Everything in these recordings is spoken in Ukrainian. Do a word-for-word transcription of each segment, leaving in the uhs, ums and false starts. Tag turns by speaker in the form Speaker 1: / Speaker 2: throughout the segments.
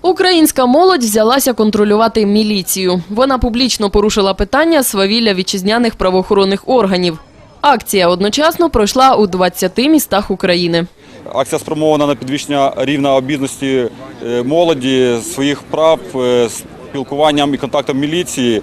Speaker 1: Українська молодь взялася контролювати міліцію. Вона публічно порушила питання свавілля вітчизняних правоохоронних органів. Акція одночасно пройшла у двадцяти містах України.
Speaker 2: Акція спрямована на підвищення рівня обізнаності молоді, своїх прав, спілкуванням і контактом міліції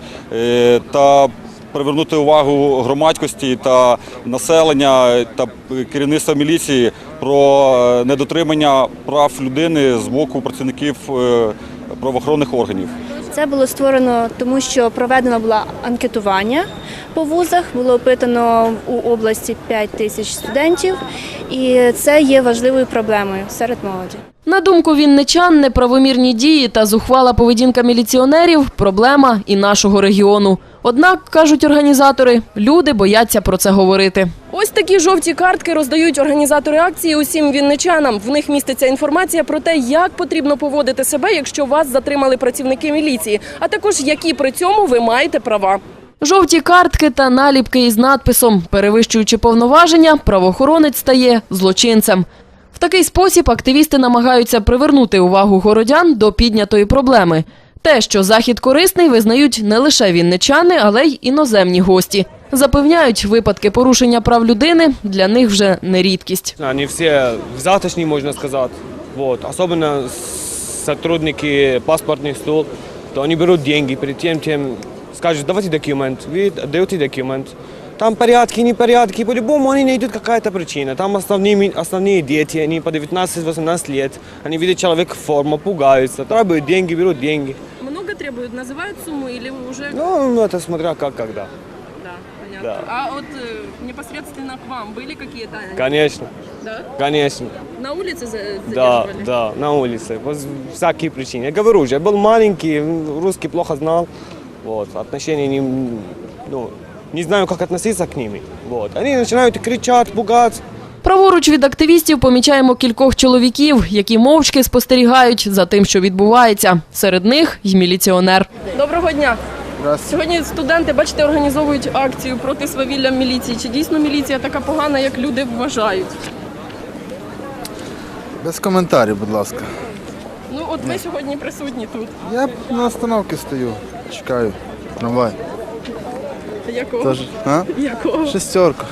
Speaker 2: та привернути увагу громадськості та населення та керівництва міліції про недотримання прав людини з боку працівників правоохоронних органів.
Speaker 3: Це було створено тому, що проведено було анкетування по вузах, було опитано у області п'ять тисяч студентів, і це є важливою проблемою серед молоді.
Speaker 1: На думку вінничан, неправомірні дії та зухвала поведінка міліціонерів – проблема і нашого регіону. Однак, кажуть організатори, люди бояться про це говорити.
Speaker 4: Ось такі жовті картки роздають організатори акції усім вінничанам. В них міститься інформація про те, як потрібно поводити себе, якщо вас затримали працівники міліції, а також які при цьому ви маєте права.
Speaker 1: Жовті картки та наліпки із надписом «Перевищуючи повноваження, правоохоронець стає злочинцем». В такий спосіб активісти намагаються привернути увагу городян до піднятої проблеми. Те, що захід корисний, визнають не лише вінничани, але й іноземні гості. Запевняють, випадки порушення прав людини для них вже не рідкість.
Speaker 5: Вони всі взяточні, можна сказати. Вот. Особенно сотрудники паспортних служб, то вони беруть гроші, перед тим, тим скажуть, давайте документ, ви даєте документ. Там порядки, непорядки, по-любому они найдут какая-то причина. Там основные, основные дети, они по девятнадцать-восемнадцать лет, они видят человека в форме, пугаются, требуют деньги, берут деньги.
Speaker 4: Много требуют, называют сумму или уже…
Speaker 5: Ну, это смотря как, когда.
Speaker 4: Да, понятно.
Speaker 5: Да.
Speaker 4: А вот э, непосредственно к вам были какие-то…
Speaker 5: Конечно,
Speaker 4: Да?
Speaker 5: конечно.
Speaker 4: На улице задерживали?
Speaker 5: Да, да, на улице, по всякие причины. Я говорю же, я был маленький, русский плохо знал, вот, отношения не, ну, не знаю, как относиться к ним. Вот. Они начинают кричать, пугаться.
Speaker 1: Праворуч від активістів помічаємо кількох чоловіків, які мовчки спостерігають за тим, що відбувається. Серед них й міліціонер.
Speaker 4: Доброго дня. Сьогодні студенти, бачите, організовують акцію проти свавілля міліції. Чи дійсно міліція така погана, як люди вважають?
Speaker 6: Без коментарів, будь ласка.
Speaker 4: Ну от ви сьогодні присутні тут.
Speaker 6: Я на остановці стою, чекаю трамвай.
Speaker 4: Якого?
Speaker 6: Тож, а?
Speaker 4: Якого?
Speaker 6: Шестерка.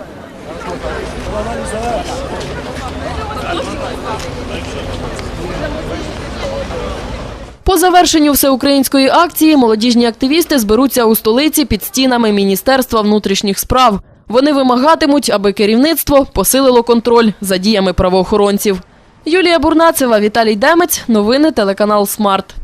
Speaker 1: По завершенню всеукраїнської акції молодіжні активісти зберуться у столиці під стінами Міністерства внутрішніх справ. Вони вимагатимуть, аби керівництво посилило контроль за діями правоохоронців. Юлія Бурнацева, Віталій Демець. Новини телеканал «Смарт».